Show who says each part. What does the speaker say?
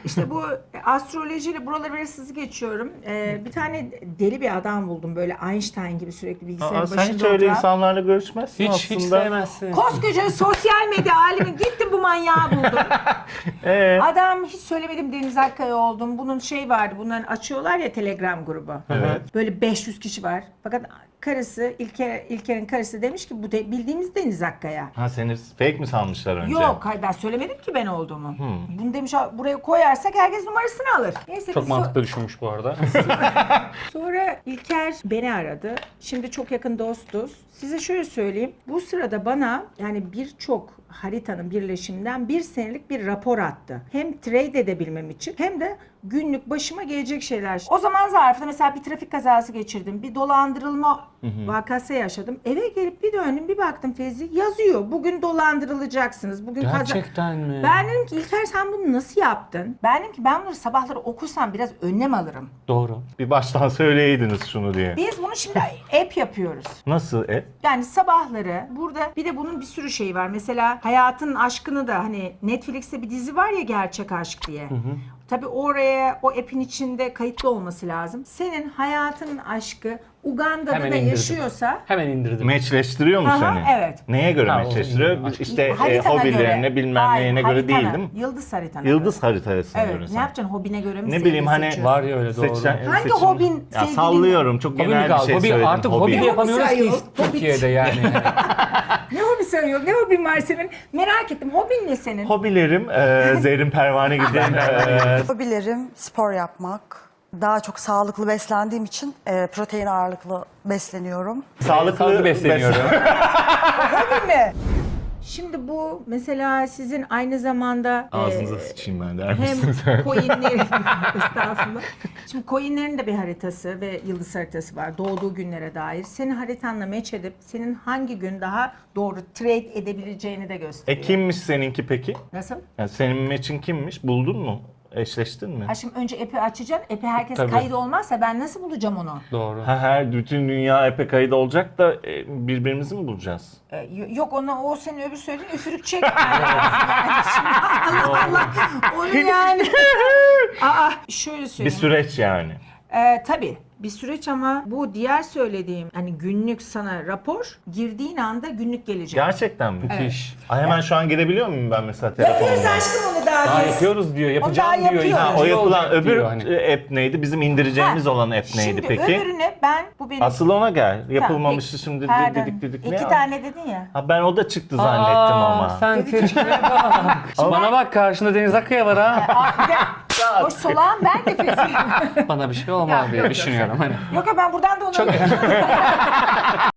Speaker 1: İşte bu astrolojiyle buraları biraz hızlı geçiyorum. Bir tane deli bir adam buldum böyle Einstein gibi sürekli bilgisayarın
Speaker 2: Sen
Speaker 1: başında
Speaker 2: hiç öyle
Speaker 1: oturan.
Speaker 2: insanlarla görüşmezsin
Speaker 3: Hiç
Speaker 2: aslında.
Speaker 3: sevmezsin.
Speaker 1: Koskoca sosyal medya alemi gittim bu manyağı buldum. Adam hiç söylemedim Deniz Akkaya oldum. Bunun şey vardı, bunların açıyorlar ya Telegram grubu.
Speaker 2: Evet.
Speaker 1: Böyle 500 kişi var. Fakat karısı, İlker'in karısı demiş ki bu bildiğimiz Deniz Akkaya.
Speaker 2: Ha seni fake mi sanmışlar önce?
Speaker 1: Yok, hayır ben söylemedim ki ben olduğumu. Bunu demiş buraya koyarsak herkes numarasını alır. Neyse,
Speaker 3: Çok
Speaker 1: biz
Speaker 3: mantıklı düşünmüş bu arada.
Speaker 1: Sonra İlker beni aradı. Şimdi çok yakın dostuz. Size şöyle söyleyeyim. Bu sırada bana yani birçok haritanın birleşiminden 1 senelik bir rapor attı. Hem trade edebilmem için hem de günlük başıma gelecek şeyler. O zaman zarfında mesela bir trafik kazası geçirdim. Bir dolandırılma vakası yaşadım. Eve gelip bir döndüm bir baktım Fevzi yazıyor. Bugün dolandırılacaksınız. Bugün
Speaker 3: Gerçekten mi?
Speaker 1: Ben dedim ki İlker sen bunu nasıl yaptın? Ben dedim ki ben bunları sabahları okusam biraz önlem alırım.
Speaker 3: Doğru.
Speaker 2: Bir baştan söyleyeydiniz şunu diye.
Speaker 1: Biz bunu şimdi app yapıyoruz.
Speaker 2: Nasıl?
Speaker 1: Yani sabahları burada bir de bunun bir sürü şeyi var. Mesela Hayatın Aşkını da hani Netflix'te bir dizi var ya Gerçek Aşk diye. Tabii oraya o app'in içinde kayıtlı olması lazım. Senin hayatının aşkı Uganda'da
Speaker 3: Hemen
Speaker 1: da
Speaker 3: indirdim.
Speaker 1: yaşıyorsa
Speaker 3: Hemen indirdim.
Speaker 2: Meçleştiriyor mu
Speaker 1: Aha,
Speaker 2: seni?
Speaker 1: evet.
Speaker 2: Neye göre
Speaker 3: Ha,
Speaker 2: meçleştiriyor?
Speaker 3: o-
Speaker 2: İşte
Speaker 1: haritana
Speaker 2: hobilerine
Speaker 1: göre.
Speaker 2: bilmem
Speaker 1: Hayır,
Speaker 2: neyine göre değil
Speaker 1: haritana,
Speaker 2: değil mi?
Speaker 1: Yıldız haritana
Speaker 2: Yıldız
Speaker 1: göre.
Speaker 2: haritasına
Speaker 1: Evet.
Speaker 2: göre
Speaker 1: Ne
Speaker 2: sen.
Speaker 1: yapacaksın? Hobine göre mi?
Speaker 2: Ne bileyim hani
Speaker 1: seçiyorsun?
Speaker 3: Var ya öyle doğru.
Speaker 1: Hangi hobin
Speaker 2: Ya
Speaker 1: sevgilin?
Speaker 2: sallıyorum çok
Speaker 3: Hobi mi
Speaker 2: genel bir
Speaker 3: kaldı?
Speaker 2: şey
Speaker 3: Hobi,
Speaker 2: söyledim.
Speaker 3: artık hobi de
Speaker 2: Hobi.
Speaker 3: yapamıyoruz ki
Speaker 1: sayıyor?
Speaker 3: Türkiye'de yani.
Speaker 1: Ne hobisi arıyor? Ne hobin var senin? Merak ettim. Hobin ne senin?
Speaker 2: Hobilerim Zerrin Pervane gibi.
Speaker 4: Hobilerim spor yapmak. Daha çok sağlıklı beslendiğim için protein ağırlıklı besleniyorum.
Speaker 3: Sağlıklı besleniyorum.
Speaker 1: Hobin mi? Şimdi bu mesela sizin aynı zamanda
Speaker 2: Ağzınıza sıçayım ben der misin sen?
Speaker 1: hem coinlerin estağfurullah. Şimdi coinlerin de bir haritası ve yıldız haritası var. Doğduğu günlere dair. Senin haritanla match edip senin hangi gün daha doğru trade edebileceğini de gösteriyor.
Speaker 2: Kimmiş seninki peki?
Speaker 1: Nasıl?
Speaker 2: Yani senin match'in kimmiş? Buldun mu? Eşleştin mi?
Speaker 1: Ha şimdi önce app'i açacaksın. App'i herkes
Speaker 3: Tabii.
Speaker 1: kayıt olmazsa ben nasıl bulacağım onu?
Speaker 3: Doğru.
Speaker 2: Her bütün dünya epey kayıt olacak da birbirimizi mi bulacağız?
Speaker 1: Yok o senin öbür söylediğin üfürük çek. Yani şimdi Allah Allah. Onu yani. Şöyle
Speaker 2: Bir
Speaker 1: söyleyeyim.
Speaker 2: süreç yani.
Speaker 1: Tabii bir süreç ama bu diğer söylediğim hani günlük sana rapor girdiğin anda günlük gelecek.
Speaker 2: Gerçekten mi?
Speaker 3: Müthiş.
Speaker 2: Ay hemen şu an girebiliyor muyum ben mesela
Speaker 1: Yapıyoruz
Speaker 2: telefonumdan?
Speaker 1: aşkım onu daha
Speaker 3: Daha
Speaker 1: biz.
Speaker 3: yapıyoruz diyor, yapacağım
Speaker 1: daha
Speaker 3: diyor.
Speaker 1: yapıyor.
Speaker 2: Ha, o
Speaker 3: İkinci
Speaker 2: yapılan
Speaker 3: olacak
Speaker 2: öbür
Speaker 3: diyor hani.
Speaker 2: app neydi? Bizim indireceğimiz olan app neydi
Speaker 1: Şimdi
Speaker 2: peki?
Speaker 1: öbürünü ben bu benim.
Speaker 2: Asıl ona gel.
Speaker 1: Tamam,
Speaker 2: Yapılmamıştı
Speaker 1: peki.
Speaker 2: şimdi
Speaker 1: Pardon.
Speaker 2: dedik.
Speaker 1: İki tane dedin ya.
Speaker 2: Ha ben o da çıktı zannettim ama.
Speaker 3: Sen triplere bak. Bana bak karşında Deniz Akkaya var ha.
Speaker 1: O solağım ben de Fevzi.
Speaker 3: Bana bir şey olmaz diye düşünüyorum hani.
Speaker 1: Yok ya ben buradan da onu